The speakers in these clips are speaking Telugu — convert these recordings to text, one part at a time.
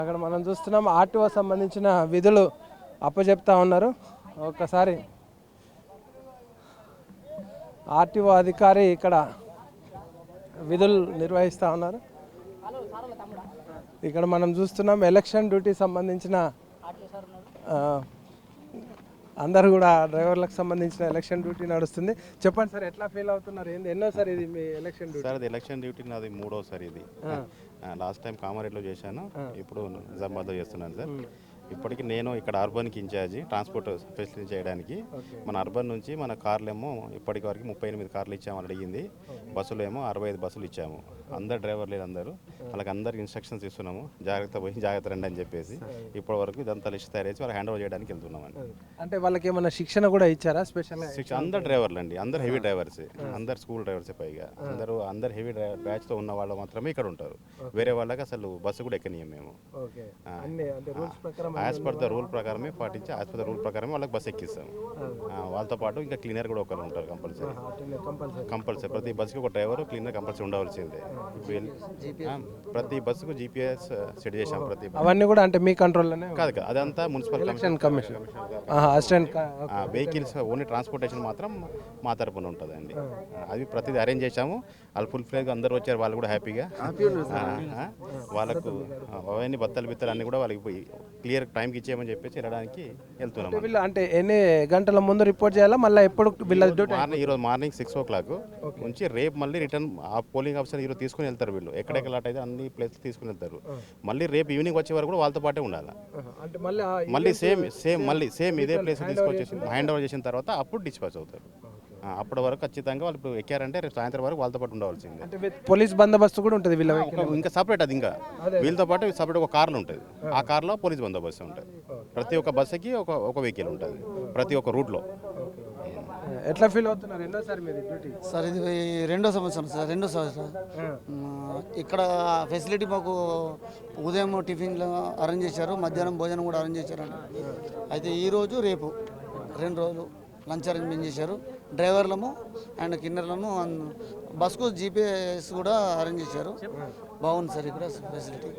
అక్కడ మనం చూస్తున్నాం ఆర్టీఓ సంబంధించిన విధులు అప్పచెప్తా ఉన్నారు. ఒకసారి ఆర్టీఓ అధికారి ఇక్కడ విధులు నిర్వహిస్తూ ఉన్నారు. ఇక్కడ మనం చూస్తున్నాం ఎలక్షన్ డ్యూటీ సంబంధించిన అందరూ కూడా డ్రైవర్లకు సంబంధించిన ఎలక్షన్ డ్యూటీ నడుస్తుంది. చెప్పండి సార్, ఎట్లా ఫీల్ అవుతున్నారు? ఎన్నోసారి ఇది మీ ఎలక్షన్ డ్యూటీ? సార్, అది ఎలక్షన్ డ్యూటీ నాది మూడోసారి. ఇది లాస్ట్ టైం కామారెడ్డిలో చేశాను, ఇప్పుడు నిజామాబాద్లో చేస్తున్నాను సార్. ఇప్పటికి నేను ఇక్కడ అర్బన్కి ఇన్ఛార్జి ట్రాన్స్పోర్ట్ ఫెసిలిటీ చేయడానికి. మన అర్బన్ నుంచి మన కార్లేమో ఇప్పటికి వరకు 38 కార్లు ఇచ్చామని అడిగింది. బస్సులు ఏమో 65 బస్సులు ఇచ్చాము. అందరు డ్రైవర్లు అందరూ వాళ్ళకి అందరికి ఇన్స్ట్రక్షన్స్ ఇస్తున్నాము, జాగ్రత్త పోయి జాగ్రత్త రండి అని చెప్పేసి. ఇప్పటి వరకు ఇదంతా లిస్ట్ తయారు చేసి వాళ్ళకి హ్యాండ్ ఓవర్ చేయడానికి వెళ్తున్నామండి. అంటే వాళ్ళకి ఏమైనా శిక్షణ కూడా ఇచ్చారా? స్పెషల్ శిక్షణ అందరు డ్రైవర్లు అండి, అందరు హెవీ డ్రైవర్స్, అందరు స్కూల్ డ్రైవర్సే. పైగా అందరు హెవీ బ్యాచ్తో ఉన్న వాళ్ళు మాత్రమే ఇక్కడ ఉంటారు. వేరే వాళ్ళకి అసలు బస్సు కూడా ఎక్కనీయం మేము. యాజ్ పర్ ద రూల్ ప్రకారమే పాటించి, యాజ్ పర్ ద రూల్ ప్రకారమే వాళ్ళకి బస్సు ఎక్కిస్తాము. వాళ్ళతో పాటు ఇంకా క్లీనర్ కూడా ఒకరు ఉంటారు కంపల్సరీ. ప్రతి బస్సుకి ఒక డ్రైవర్, క్లీనర్ కంపల్సరీ ఉండవలసిందే. ప్రతి బస్సుకు జీపీఎస్ సెట్ చేసాం. అవన్నీ కూడా అంటే మీ కంట్రోల్లోనే కాదు, అదంతా municipal commission vehicles only transportation మాత్రం మా తరపున ఉంటుందండి. అది ప్రతిదీ అరేంజ్ చేసాము. వాళ్ళు ఫుల్ ఫ్లేగ్ అందరూ వచ్చారు, వాళ్ళు కూడా హ్యాపీగా. వాళ్ళకు అవన్నీ బత్తలు అన్నీ కూడా వాళ్ళకి పోయి క్లియర్ టైంకి ఇచ్చేయమని చెప్పేసి వెళ్ళడానికి వెళ్తున్నాం. అంటే ఎన్ని గంటల ముందు రిపోర్ట్ చేయాలా? మళ్ళీ ఎప్పుడు ఈరోజు మార్నింగ్ 6 o'clock నుంచి రేపు మళ్ళీ రిటర్న్ ఆ పోలింగ్ ఆఫీసర్ ఈరోజు తీసుకుని వెళ్తారు. వీళ్ళు ఎక్కడెక్కడ లాట్ అయితే అన్ని ప్లేస్ తీసుకుని వెళ్తారు. మళ్ళీ రేపు ఈవినింగ్ వచ్చే వరకు కూడా వాళ్ళతో పాటే ఉండాలి. మళ్ళీ సేమ్ ఇదే ప్లేస్ తీసుకొచ్చేసి హ్యాండ్ ఓవర్ చేసిన తర్వాత అప్పుడు డిస్పాచ్ అవుతారు. అప్పటి వరకు ఖచ్చితంగా వాళ్ళు ఇప్పుడు ఎక్కారంటే రేపు సాయంత్రం వరకు వాళ్ళతో పాటు ఉండవలసిందే. అంటే పోలీస్ బందోబస్తు కూడా ఉంటుంది వీళ్ళ ఇంకా సపరేట్. అది ఇంకా వీళ్ళతో పాటు సపరేట్ ఒక కార్లు ఉంటుంది. ఆ కార్లో పోలీస్ బందోబస్తు ఉంటుంది. ప్రతి ఒక్క బస్సుకి ఒక వెహికల్ ఉంటుంది ప్రతి ఒక్క రూట్లో. ఎట్లా ఫీల్ అవుతున్నారు? ఎన్నోసారి మీది డ్యూటీ? సార్, ఇది రెండో సంవత్సరం సార్. ఇక్కడ ఫెసిలిటీ మాకు ఉదయం టిఫిన్లు అరేంజ్ చేశారు, మధ్యాహ్నం భోజనం కూడా అరేంజ్ చేశారండి. అయితే ఈరోజు రేపు 2 రోజులు లంచ్ అరేంజ్మెంట్ చేశారు. డ్రైవర్లము అండ్ కిన్నర్లను బస్కు జీపీఎస్ కూడా అరేంజ్ చేశారు. బాగుంది సార్ ఇక్కడ ఫెసిలిటీ.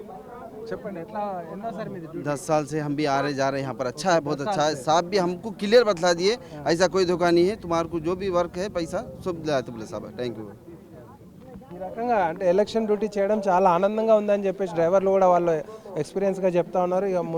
10 साल से हम भी आ रहे जा रहे हैं यहाँ पर. अच्छा है, बहुत अच्छा है. साहब भी हमको क्लियर बतला दिए, ऐसा कोई धोखा नहीं है. तुम्हारे को जो भी वर्क है पैसा सब दिलाया तुमने साहब. Thank you. ఈ రకంగా అంటే ఎలక్షన్ డ్యూటీ చేయడం చాలా ఆనందంగా ఉందని చెప్పేసి డ్రైవర్లు కూడా వాళ్ళు ఎక్స్పీరియన్స్గా చెప్తా ఉన్నారు. ఇక